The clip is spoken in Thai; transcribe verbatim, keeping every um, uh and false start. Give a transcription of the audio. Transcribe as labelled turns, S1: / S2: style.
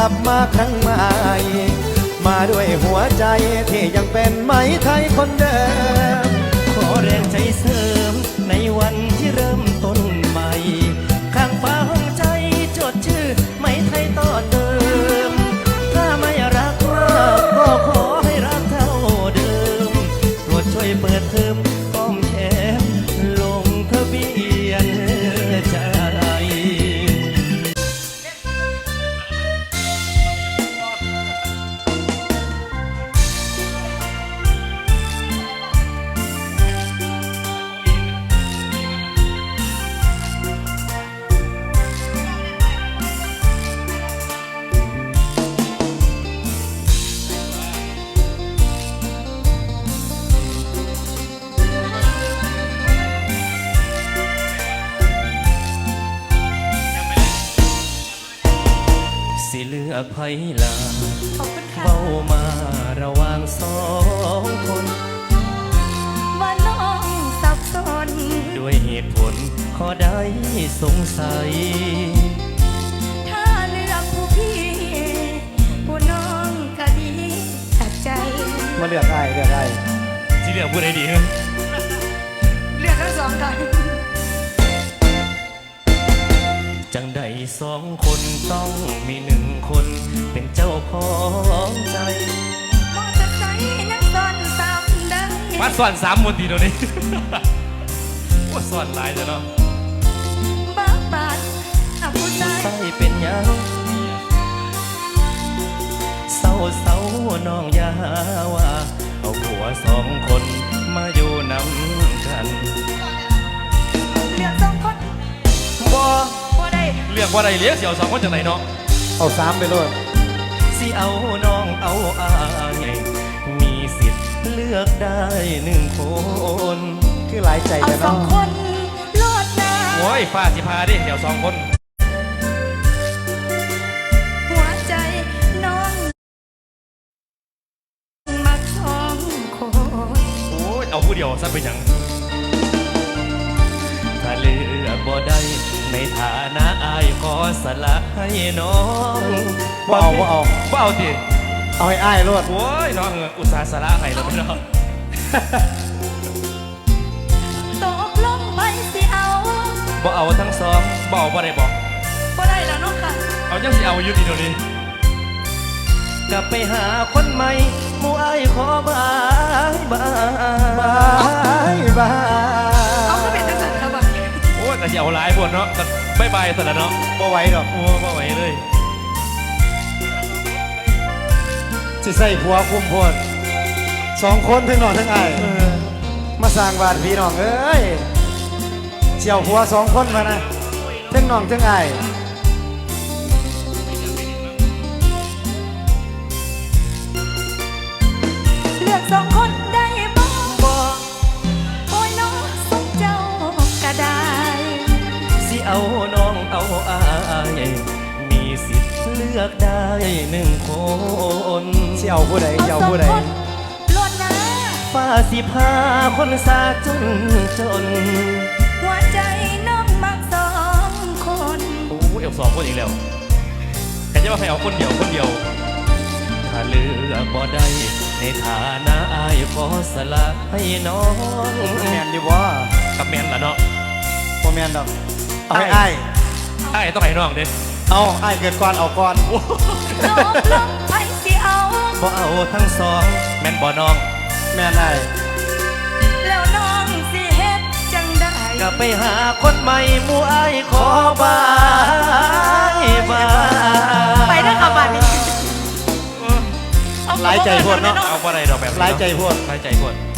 S1: ลับมาครั้งใหม่มาด้วยหัวใจที่ยังเป็นไหมไทยคนเดิม
S2: ขอแรงใจเสริมในวันที่เริ่มต้นใหม่ข้างฟ้าห้องใจจดชื่อไหมไทยต่อเติมถ้าไม่รักมากก็ขอให้รักเท่าเดิมโปรดช่วยเปิดเทอมก้อมแขนลงทะเบียนใจสิเลือกไผลาเบ้ามาระหว่างสองคน
S3: ว่าน้องสับสน
S2: ด้วยเหตุผลขอได้สงสัย
S3: ถ้าเลือกผู้พี่ผู้น้องก็ดีตัดใจ
S1: มาเลือกได้เลือกได้
S2: สิเลือกผู้ใดดี
S3: เลือกทั้งสองกัน
S2: จังใดสองคนต้องมีหนึ่งคนเป็นเจ้าของใจ
S3: มอจะใส่นักซ่อนสามได้
S2: มาซ่อนสามมนตีเดี๋ยวนี้ว่าซ่อนหลายแล้วเนาะ
S3: บ้าบาดอาผู้ใจ
S2: ใส่เป็นยังเศร้าเศร้าน้องยาว่าเอาผัวสองคนมาอยู่นำกัน
S3: เลือกสองคน
S2: บ่เรียกว่าไรเลี้ยงเสี่ยวสองคนจากไหนเนาะ
S1: เอาสามไปเลย
S2: สิเอาน้องเอาอายมีสิทธิ์เลือกได้หนึ่งคน
S1: คือหลายใจ
S3: กันเนาะเอาสองคนโลดนะ
S2: โอ้ยฟ้าสิพาดิเดี๋ยวสองคน
S3: หัวใจน้องมักสองคน
S2: โอ้ยเอาผู้เดียวซะเป็นยังถ้าเลือกบ่ได้ในฐานะอายขอสละให้น้อง
S1: บ่เอาบ่เอา
S2: บ่เอาดิ
S1: เอาให้อายรวด
S2: โอ้ยน้องอุตส่าห์สละให้แล้วไม่น้อง
S3: ตกลงไปสิเอา
S2: บ่เอาทั้งสองบ่เอาบ่ได้บอก
S3: บ่ได้แล้วน้องค่ะ
S2: เอายังสิเอาอยู่ดีเดี๋ยวนี้กลับไปหาคนใหม่หมู่อายขอบายบาย
S1: บายบาย
S3: เอาก็เป็นตั้งแต่ครับ
S2: โอ้แต่จะเอาหลายพวกเนาะบายบายแต่ละเนาะ
S1: บ่ไหวดอก
S2: โอ้บ่ไหวเลย
S1: สิใส่ผัวคุมพลสองคนทั้งนอนทั้งไอมาสร้างบาดพี่น้องเอ้ยเสี่ยวผัวสองคนมานะทั้งนอนทั้งไอ
S3: เลือกสองคนได้บ่บ่โอ้ยน้องสมเจ้าก็ได้
S2: สิเอาน้องเอาอายมีสิทธิ์เลือกได้หนึ่งคน
S1: สิเอาผู้ใดสิเอาผู้ใด
S3: ล้วนนะ
S2: ฟ้าสิพาคนสาจนจน
S3: หัวใจน้องมักสองคน
S2: โอ้เอวสองคนอีกแล้วแค่จะว่าให้เอาคนเดียวคนเดียวถ้าเลือกบ่ได้ในฐานะอายขอสละให้น้อง
S1: แมนดีว่า
S2: กับแมนละเนาะ
S1: บ่แมนดอกเอาให้ไอ้
S2: ไอ้ต้องให้น้องเด้
S1: เอาไอ้เกิดก่อนเอาก่อน
S3: น้องลงไปสิเอา
S2: บ่เอาทั้งสองแม่นบ่น้อง
S1: แม่นไอ้
S3: แล้วน้องสิเฮ็ดจังได้
S2: ก็ไปหาคนใหม่หมู่อ้ายขอบายบาย
S3: ไปเด้อค่ะบัดนี้
S1: หลายใจพวดเนาะ
S2: เอาบ่ได้ดอกแบบ
S1: หลายใจพวด
S2: หลายใจพวด